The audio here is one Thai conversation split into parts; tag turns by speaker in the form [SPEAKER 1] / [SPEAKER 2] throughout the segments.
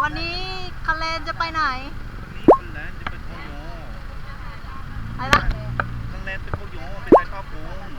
[SPEAKER 1] วันนี้คะแนนจะไปไหน
[SPEAKER 2] วันนี้คนแลนจะเป็นโคโย
[SPEAKER 1] อะไรนะ
[SPEAKER 2] คนแลนเป็นโคโยเป็นไทยภาพวง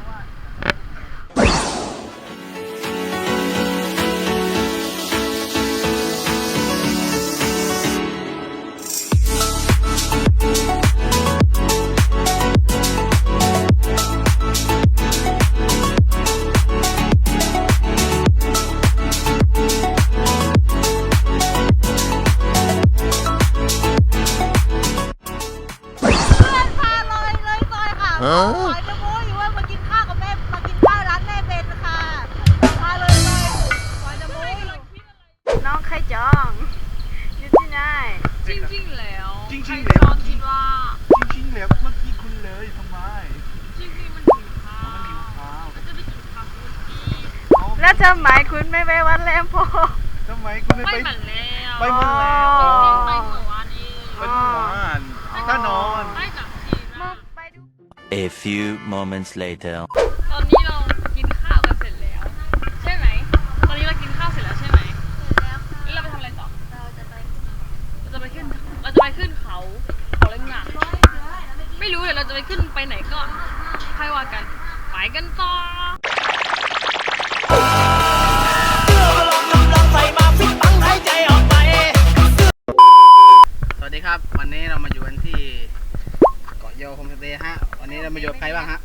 [SPEAKER 1] ขอจะโม้อยู่ว่ามากินข้าวกับแม่มากินข้าวร้านแม่เบนค่ะพาเลยขอจะโม้น้องใครจองอยู่ที่ไหน
[SPEAKER 3] จริงแล้ว
[SPEAKER 2] จริง
[SPEAKER 3] ๆแล้วคิดว่า
[SPEAKER 2] จริงแล้วเมื่อกี้คุณเลยทำไม
[SPEAKER 3] จริงมันหิวข้าว
[SPEAKER 2] มันหิวข้าว
[SPEAKER 3] จะไปกินข้าวคุ
[SPEAKER 1] กแล้วทำไมคุณไม่ไปวัดแลมโพ
[SPEAKER 2] ทำไมคุณไม่ไป
[SPEAKER 3] เหมือนแล้ว
[SPEAKER 2] ไปเหมือนแล้ว
[SPEAKER 3] ไปเหมือนวันนี้
[SPEAKER 2] ไปเมื่อวานถ้านอน
[SPEAKER 3] ไปกับทีม
[SPEAKER 4] A few moments later
[SPEAKER 3] ตอนนี้เรากินข้าวกันเสร็จแล้วใช่ไหมตอนนี้เรากินข้าวเสร็จแล้วใช่ไหมแล้วเราไปทำอะไรต่อเราจะไปขึ้นเขาเล่นหนักไม่รู้เดี๋ยวเราจะไปขึ้นไปไหนก็ค่อยว่ากันไปกันต่อ
[SPEAKER 2] สวัสดีครับวันนี้เรามาอยู่กันที่เกาะโยโฮมสเตย์ฮะวันนี้เรามาอยู่ใครบ้างฮะ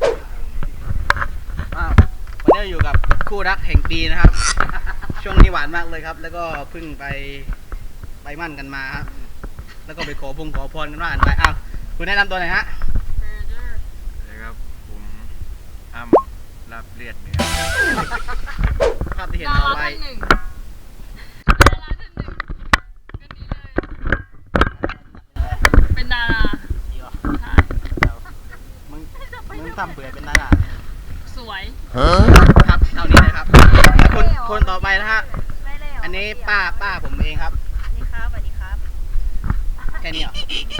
[SPEAKER 2] วันนี้เราอยู่กับคู่รักแห่งปีนะครับช่วงนี้หวานมากเลยครับแล้วก็เพิ่งไปมั่นกันมาครับแล้วก็ไปขอพรกันว่ากันไปคุณแนะนำตัวหน่อยฮะนะครับผมอ้ำรับเลียดเนื้อภาพที่เห็นต่อไป
[SPEAKER 3] เป็นดารา
[SPEAKER 2] มึงทำเบื่อเป็นดารา
[SPEAKER 3] สวย
[SPEAKER 2] ครับเท่านี้เลยครับคนต่อไปนะฮะอันนี้ป้าผมเองครับ
[SPEAKER 1] สวัสดีครับ
[SPEAKER 2] แค่นี้เหรอ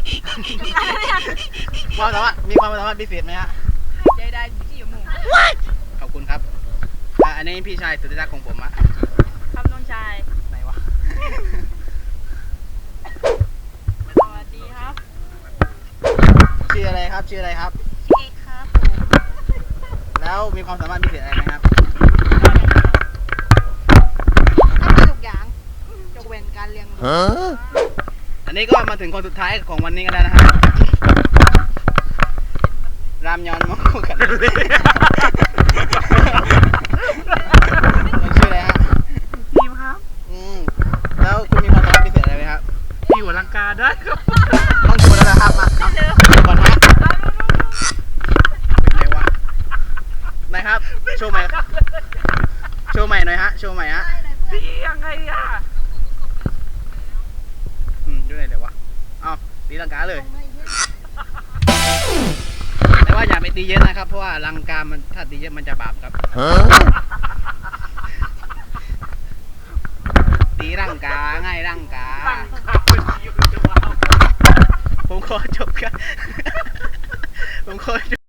[SPEAKER 2] ความสามารถมีความสามารถพิเศษไหมฮะ
[SPEAKER 1] ใจได้ที่อยู่มุม
[SPEAKER 2] ขอบคุณครับอันนี้พี่ชายสุดที่รักของผมอะ
[SPEAKER 1] ครับน้องชาย
[SPEAKER 2] ไหนวะ
[SPEAKER 1] สวัสดีครับ
[SPEAKER 2] ชื่ออะไรครับชื่อเ
[SPEAKER 1] อกครับผม
[SPEAKER 2] แล้วมีความสามารถพิเศษอะไรไหมครับ
[SPEAKER 1] ทำได้ทุกอย่างยกเว้นการเลี้ยงลูก
[SPEAKER 2] อันนี้ก็มาถึงคนสุดท้ายของวันนี้กันแล้วนะฮะรามยอนมอกันเลยชื่ออะไรฮะ
[SPEAKER 1] ทีมครับ
[SPEAKER 2] แล้วคุณมีความสามารถพิเศษอะไรไหมครับ
[SPEAKER 3] พี่หัวลังกาได้ครับ
[SPEAKER 2] ต้องโชว์แล้วนะครับมาก่อนฮะไหนวะไหนครับโชว์ใหม่หน่อยฮะโชว์ใหม่ฮะ
[SPEAKER 3] พี่ยังไงอ่ะ
[SPEAKER 2] ดูไหนเดี๋ยววะตีลังกาเลยแต่ว่าอย่าไปตีเยอะนะครับเพราะว่าลังกามันถ้าตีเยอะมันจะบาปครับตีร่างกาง่ายร่างกาผมขอจบครับผมขอจบ